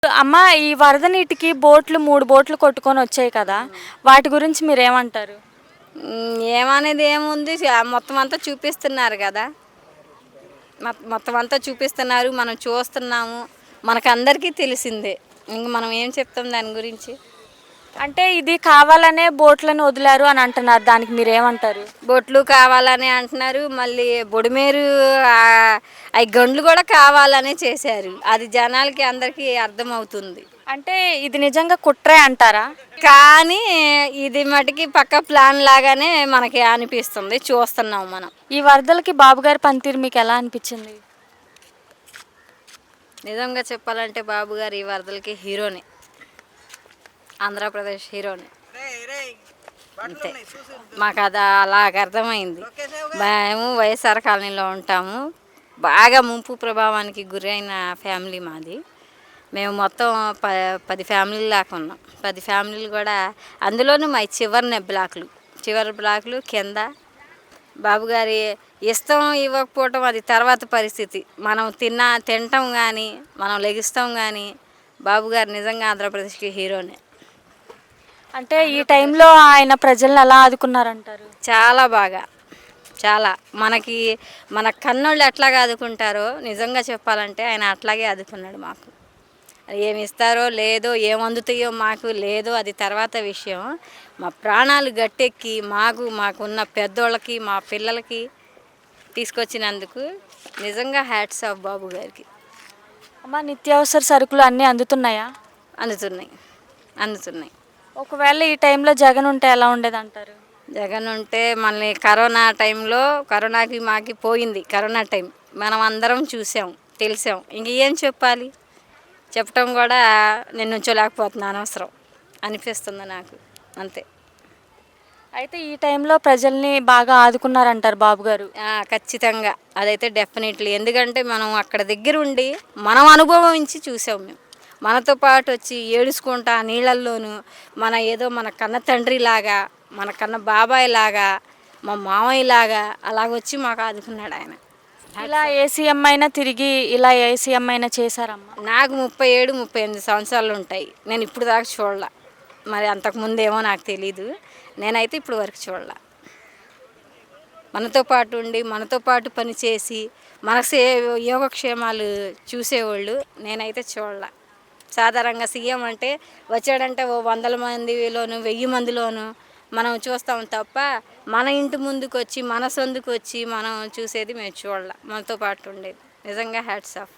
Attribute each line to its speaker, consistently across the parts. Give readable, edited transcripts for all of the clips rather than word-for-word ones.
Speaker 1: అమ్మ, ఈ వరద నీటికి బోట్లు 3 బోట్లు కొట్టుకొని వచ్చాయి కదా! వాటి గురించి మీరేమంటారు?
Speaker 2: ఏమనేది ఏముంది మొత్తం అంతా చూపిస్తున్నారు కదా. మొత్తం అంతా చూపిస్తున్నారు, మనం చూస్తున్నాము, మనకందరికీ తెలిసిందే. ఇంక మనం ఏం చెప్తాం దాని గురించి.
Speaker 1: అంటే ఇది కావాలనే బోట్లను వదిలారు అని అంటున్నారు. దానికి మీరేమంటారు?
Speaker 2: బొట్లు కావాలని అంటున్నారు, మళ్ళీ బొడిమేరు అవి గండ్లు కూడా కావాలనే చేశారు. అది జనాలకి అందరికీ అర్థమవుతుంది.
Speaker 1: అంటే ఇది నిజంగా కుట్రే అంటారా?
Speaker 2: కానీ ఇది మటుకి పక్క ప్లాన్ లాగానే మనకి అనిపిస్తుంది, చూస్తున్నాం మనం.
Speaker 1: ఈ వరదలకి బాబుగారి పనితీరు మీకు ఎలా అనిపించింది?
Speaker 2: నిజంగా చెప్పాలంటే బాబు గారు ఈ వరదలకి హీరోనే, ఆంధ్రప్రదేశ్ హీరోనే. అంతే, మాకు అది అలాగ అర్థమైంది. మేము వైఎస్ఆర్ కాలనీలో ఉంటాము. బాగా ముంపు ప్రభావానికి గురైన ఫ్యామిలీ మాది. మేము మొత్తం 10 ఫ్యామిలీలు దాకా ఉన్నాం. 10 ఫ్యామిలీలు కూడా, అందులోనూ మా చివరి బ్లాకులు కింద. బాబుగారి ఇష్టం ఇవ్వకపోవటం అది తర్వాత పరిస్థితి. మనం తినటం కానీ, మనం లెగిస్తాం కానీ, బాబుగారు నిజంగా ఆంధ్రప్రదేశ్కి హీరోనే.
Speaker 1: అంటే ఈ టైంలో ఆయన ప్రజల్ని ఎలా ఆదుకున్నారంటారు?
Speaker 2: చాలా బాగా, చాలా. మన కన్నోళ్ళు ఎట్లాగా ఆదుకుంటారో నిజంగా చెప్పాలంటే ఆయన అట్లాగే ఆదుకున్నాడు మాకు. ఏమి ఇస్తారో లేదో, ఏం అందుతాయో మాకు లేదో అది తర్వాత విషయం. మా ప్రాణాలు గట్టెక్కి మాకున్న పెద్దోళ్ళకి, మా పిల్లలకి తీసుకొచ్చినందుకు నిజంగా హ్యాట్స్ ఆఫ్ బాబు గారికి.
Speaker 1: అమ్మ, నిత్యావసర సరుకులు అన్నీ అందుతున్నాయా?
Speaker 2: అందుతున్నాయి.
Speaker 1: ఒకవేళ ఈ టైంలో జగన్ ఉంటే ఎలా ఉండేదంటారు?
Speaker 2: జగన్ ఉంటే మళ్ళీ కరోనా టైంలో, కరోనాకి మాకి పోయింది కరోనా టైం, మనం అందరం చూసాం, తెలిసాం. ఇంక ఏం చెప్పాలి, చెప్పటం కూడా నేను నుంచోలేకపోతున్నాను, అనవసరం అనిపిస్తుంది నాకు, అంతే.
Speaker 1: అయితే ఈ టైంలో ప్రజల్ని బాగా ఆదుకున్నారంటారు బాబుగారు?
Speaker 2: ఖచ్చితంగా, అదైతే డెఫినెట్లీ. ఎందుకంటే మనం అక్కడ దగ్గర ఉండి మనం అనుభవించి చూసాం. మేము మనతో పాటు వచ్చి ఏడుచుకుంటా నీళ్ళల్లోనూ మన కన్న తండ్రిలాగా, మన కన్న బాబాయ్ లాగా, మా మామయ్య లాగా అలాగొచ్చి మాకు ఆదుకున్నాడు ఆయన.
Speaker 1: ఇలా ఏ సీఎం అయినా తిరిగి ఇలా ఏ సీఎం అయినా చేశారమ్మా?
Speaker 2: నాకు 37-38 సంవత్సరాలు ఉంటాయి. నేను ఇప్పుడు దాకా చూడాల, మరి అంతకుముందేమో నాకు తెలీదు. నేనైతే ఇప్పుడు వరకు చూడాల. మనతో పాటు ఉండి, మనతో పాటు పనిచేసి, మన యోగక్షేమాలు చూసేవాళ్ళు నేనైతే చూడాల. సాధారణంగా సీఎం అంటే వచ్చాడంటే ఓ 100 మందిలోను 1000 మందిలోను మనం చూస్తాం తప్ప, మన ఇంటి ముందుకు వచ్చి, మన సొందుకు వచ్చి మనం చూసేది మేము చూడాల. మనతో పాటు ఉండేది నిజంగా హ్యాట్స్ ఆఫ్.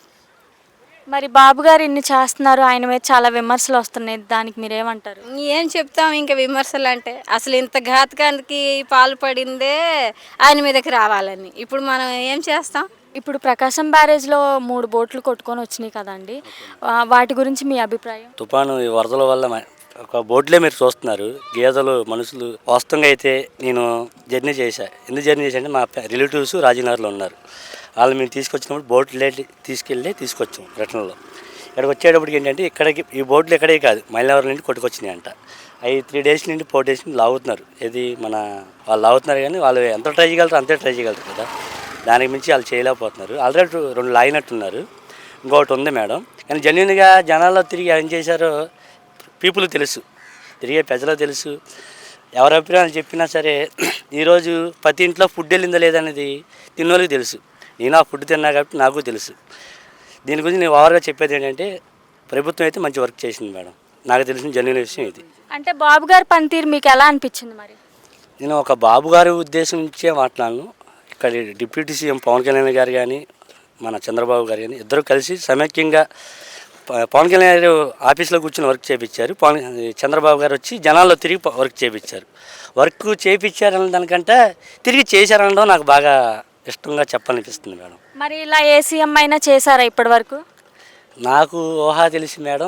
Speaker 1: మరి బాబుగారు ఇన్ని చేస్తున్నారు, ఆయన మీద చాలా విమర్శలు వస్తున్నాయి, దానికి మీరేమంటారు?
Speaker 2: ఏం చెప్తాం ఇంకా విమర్శలు అంటే, అసలు ఇంత ఘాతకానికి పాల్పడిందే ఆయన మీదకి రావాలని. ఇప్పుడు మనం ఏం చేస్తాం?
Speaker 1: ఇప్పుడు ప్రకాశం బ్యారేజ్లో 3 బోట్లు కొట్టుకొని వచ్చినాయి కదండి, వాటి గురించి మీ అభిప్రాయం?
Speaker 3: తుఫాను ఈ వరదల వల్ల ఒక బోట్లే మీరు చూస్తున్నారు, గేదెలు, మనుషులు. వాస్తవంగా అయితే నేను జర్నీ చేశాను. ఎందుకు జర్నీ చేశానంటే మా రిలేటివ్స్ రాజనగర్లో ఉన్నారు. వాళ్ళు మేము తీసుకొచ్చినప్పుడు బోట్లు తీసుకొచ్చాం రిటర్న్లో. ఇక్కడికి వచ్చేటప్పటికి ఏంటంటే, ఈ బోట్లు ఇక్కడే కాదు, మైలవరం నుండి కొట్టుకొచ్చినాయి అంట. అవి 3 డేస్ నుండి 4 డేస్ నుండి లాగుతున్నారు. వాళ్ళు లాగుతున్నారు, కానీ వాళ్ళు ఎంత ట్రై చేయగలుగుతారు అంతే ట్రై చేయగలుగుతారు కదా. దానికి మించి వాళ్ళు చేయలేకపోతున్నారు. ఆల్రెడీ 2 లాగినట్టున్నారు, ఇంకొకటి ఉంది మేడం. కానీ జెన్యున్గా జనాల్లో తిరిగి ఏం చేశారో పీపుల్ తెలుసు, తిరిగే ప్రజలకు తెలుసు. ఎవరి అభిప్రాయాలు చెప్పినా సరే, ఈరోజు ప్రతి ఇంట్లో ఫుడ్ వెళ్ళిందా లేదనేది తిన్నోళ్ళకి తెలుసు. నేను ఆ ఫుడ్ తిన్నా కాబట్టి నాకు తెలుసు. దీని గురించి నేను ఓవర్గా చెప్పేది ఏంటంటే, ప్రభుత్వం అయితే మంచి వర్క్ చేసింది మేడం. నాకు తెలిసిన జెన్యున్ విషయం ఇది.
Speaker 1: అంటే బాబు గారి పనితీరు మీకు ఎలా అనిపించింది? మరి
Speaker 3: నేను ఒక బాబు గారి ఉద్దేశం నుంచే మాట్లాడను. ఇక్కడ డిప్యూటీ సీఎం పవన్ కళ్యాణ్ గారు కానీ, మన చంద్రబాబు గారు కానీ ఇద్దరు కలిసి సమైక్యంగా పవన్ కళ్యాణ్ గారు ఆఫీస్లో కూర్చొని వర్క్ చేయించారు. చంద్రబాబు గారు వచ్చి జనాల్లో తిరిగి వర్క్ చేయించారు. వర్క్ చేయించారన్న దానికంటే తిరిగి చేశారనడం నాకు బాగా ఇష్టంగా చెప్పాలనిపిస్తుంది మేడం.
Speaker 1: మరి ఇలా ఏ సీఎం అయినా చేశారా ఇప్పటి వరకు?
Speaker 3: నాకు ఊహా తెలిసి మేడం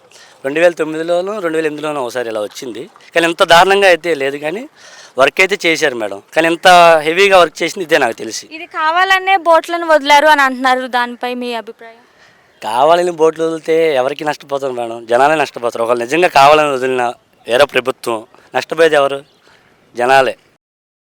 Speaker 3: 2009లోనూ 2008లోనూ ఒకసారి ఇలా వచ్చింది, కానీ ఇంత దారుణంగా అయితే లేదు. కానీ వర్క్ అయితే చేశారు మేడం, కానీ ఇంత హెవీగా వర్క్ చేసింది ఇదే నాకు తెలిసి.
Speaker 1: ఇది కావాలనే బోట్లను వదిలారు అని అంటున్నారు, దానిపై మీ అభిప్రాయం?
Speaker 3: కావాలని బోట్లు వదిలితే ఎవరికి నష్టపోతారు మేడం? జనాలే నష్టపోతారు. ఒకళ్ళు నిజంగా కావాలని వదిలిన వేరే ప్రభుత్వం, నష్టపోయేది ఎవరు? జనాలే.